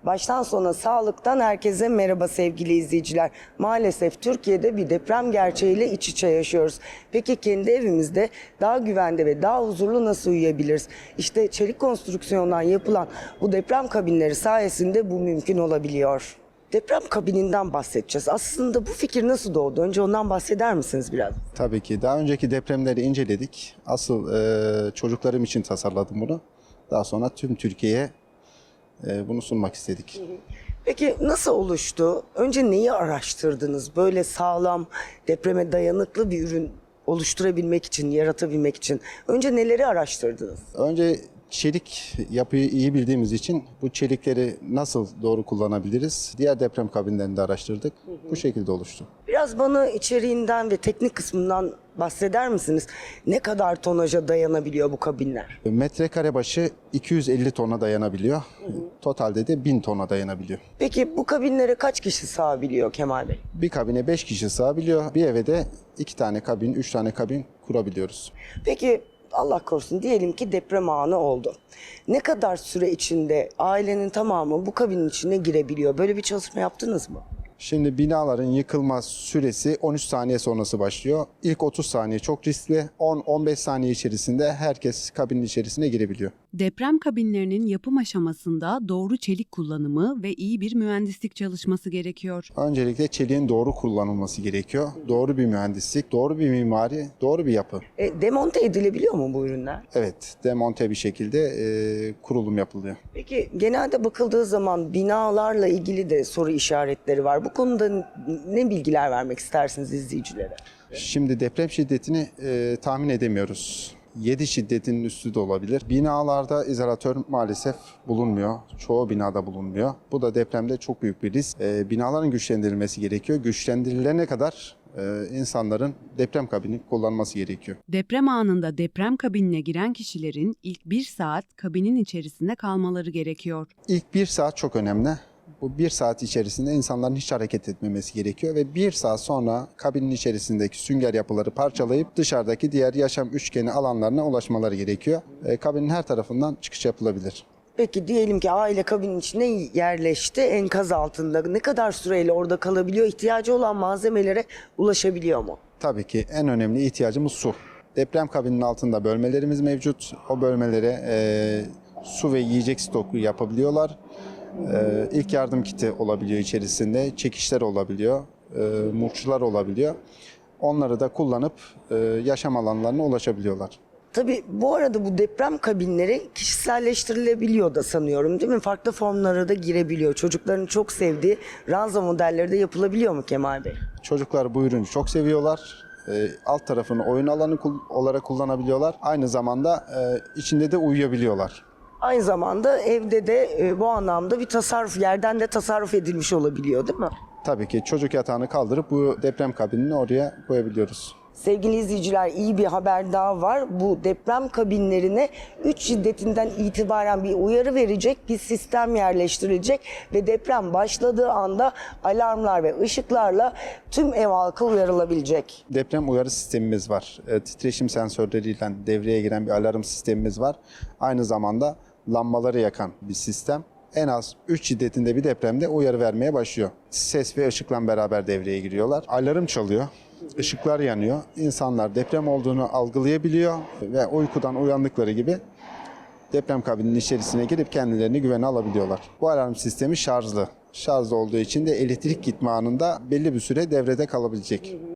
Baştan sona sağlıktan herkese merhaba sevgili izleyiciler. Maalesef Türkiye'de bir deprem gerçeğiyle iç içe yaşıyoruz. Peki kendi evimizde daha güvende ve daha huzurlu nasıl uyuyabiliriz? İşte çelik konstrüksiyondan yapılan bu deprem kabinleri sayesinde bu mümkün olabiliyor. Deprem kabininden bahsedeceğiz. Aslında bu fikir nasıl doğdu? Önce ondan bahseder misiniz biraz? Tabii ki. Daha önceki depremleri inceledik. Asıl çocuklarım için tasarladım bunu. Daha sonra tüm Türkiye'ye bunu sunmak istedik. Peki nasıl oluştu? Önce neyi araştırdınız? Böyle sağlam, depreme dayanıklı bir ürün oluşturabilmek için, yaratabilmek için. Önce neleri araştırdınız? Önce çelik yapıyı iyi bildiğimiz için bu çelikleri nasıl doğru kullanabiliriz? Diğer deprem kabinlerini de araştırdık. Bu şekilde oluştu. Biraz bana içeriğinden ve teknik kısmından bahseder misiniz? Ne kadar tonaja dayanabiliyor bu kabinler? Metrekare başı 250 tona dayanabiliyor. Totalde de 1000 tona dayanabiliyor. Peki bu kabinlere kaç kişi sığabiliyor Kemal Bey? Bir kabine 5 kişi sığabiliyor. Bir eve de 2 tane kabin, 3 tane kabin kurabiliyoruz. Peki Allah korusun diyelim ki deprem anı oldu. Ne kadar süre içinde ailenin tamamı bu kabinin içine girebiliyor? Böyle bir çalışma yaptınız mı? Şimdi binaların yıkılma süresi 13 saniye sonrası başlıyor. İlk 30 saniye çok riskli. 10-15 saniye içerisinde herkes kabinin içerisine girebiliyor. Deprem kabinlerinin yapım aşamasında doğru çelik kullanımı ve iyi bir mühendislik çalışması gerekiyor. Öncelikle çeliğin doğru kullanılması gerekiyor. Doğru bir mühendislik, doğru bir mimari, doğru bir yapı. Demonte edilebiliyor mu bu ürünler? Evet, demonte bir şekilde kurulum yapılıyor. Peki genelde bakıldığı zaman binalarla ilgili de soru işaretleri var. Bu konuda ne bilgiler vermek istersiniz izleyicilere? Şimdi deprem şiddetini tahmin edemiyoruz. 7 şiddetinin üstü de olabilir. Binalarda izolatör maalesef bulunmuyor. Çoğu binada bulunmuyor. Bu da depremde çok büyük bir risk. Binaların güçlendirilmesi gerekiyor. Güçlendirilene kadar insanların deprem kabini kullanması gerekiyor. Deprem anında deprem kabinine giren kişilerin ilk 1 saat kabinin içerisinde kalmaları gerekiyor. İlk 1 saat çok önemli. Bu 1 saat içerisinde insanların hiç hareket etmemesi gerekiyor ve 1 saat sonra kabinin içerisindeki sünger yapıları parçalayıp dışarıdaki diğer yaşam üçgeni alanlarına ulaşmaları gerekiyor. Kabinin her tarafından çıkış yapılabilir. Peki diyelim ki aile kabinin içine yerleşti, enkaz altında. Ne kadar süreyle orada kalabiliyor? İhtiyacı olan malzemelere ulaşabiliyor mu? Tabii ki en önemli ihtiyacımız su. Deprem kabinin altında bölmelerimiz mevcut. O bölmelere su ve yiyecek stoku yapabiliyorlar. İlk yardım kiti olabiliyor içerisinde, çekişler olabiliyor, murçlar olabiliyor. Onları da kullanıp yaşam alanlarına ulaşabiliyorlar. Tabii bu arada bu deprem kabinleri kişiselleştirilebiliyor da sanıyorum değil mi? Farklı formlara da girebiliyor. Çocukların çok sevdiği ranza modelleri de yapılabiliyor mu Kemal Bey? Çocuklar bu ürünü çok seviyorlar. Alt tarafını oyun alanı olarak kullanabiliyorlar. Aynı zamanda içinde de uyuyabiliyorlar. Aynı zamanda evde de bu anlamda bir tasarruf, yerden de tasarruf edilmiş olabiliyor değil mi? Tabii ki çocuk yatağını kaldırıp bu deprem kabinini oraya koyabiliyoruz. Sevgili izleyiciler iyi bir haber daha var. Bu deprem kabinlerine 3 şiddetinden itibaren bir uyarı verecek bir sistem yerleştirilecek ve deprem başladığı anda alarmlar ve ışıklarla tüm ev halkı uyarılabilecek. Deprem uyarı sistemimiz var. Titreşim sensörleriyle devreye giren bir alarm sistemimiz var. Aynı zamanda lambaları yakan bir sistem. En az 3 şiddetinde bir depremde uyarı vermeye başlıyor. Ses ve ışıkla beraber devreye giriyorlar. Alarm çalıyor. Işıklar yanıyor. İnsanlar deprem olduğunu algılayabiliyor ve uykudan uyandıkları gibi deprem kabininin içerisine girip kendilerini güvene alabiliyorlar. Bu alarm sistemi şarjlı. Şarjlı olduğu için de elektrik gitme anında belli bir süre devrede kalabilecek.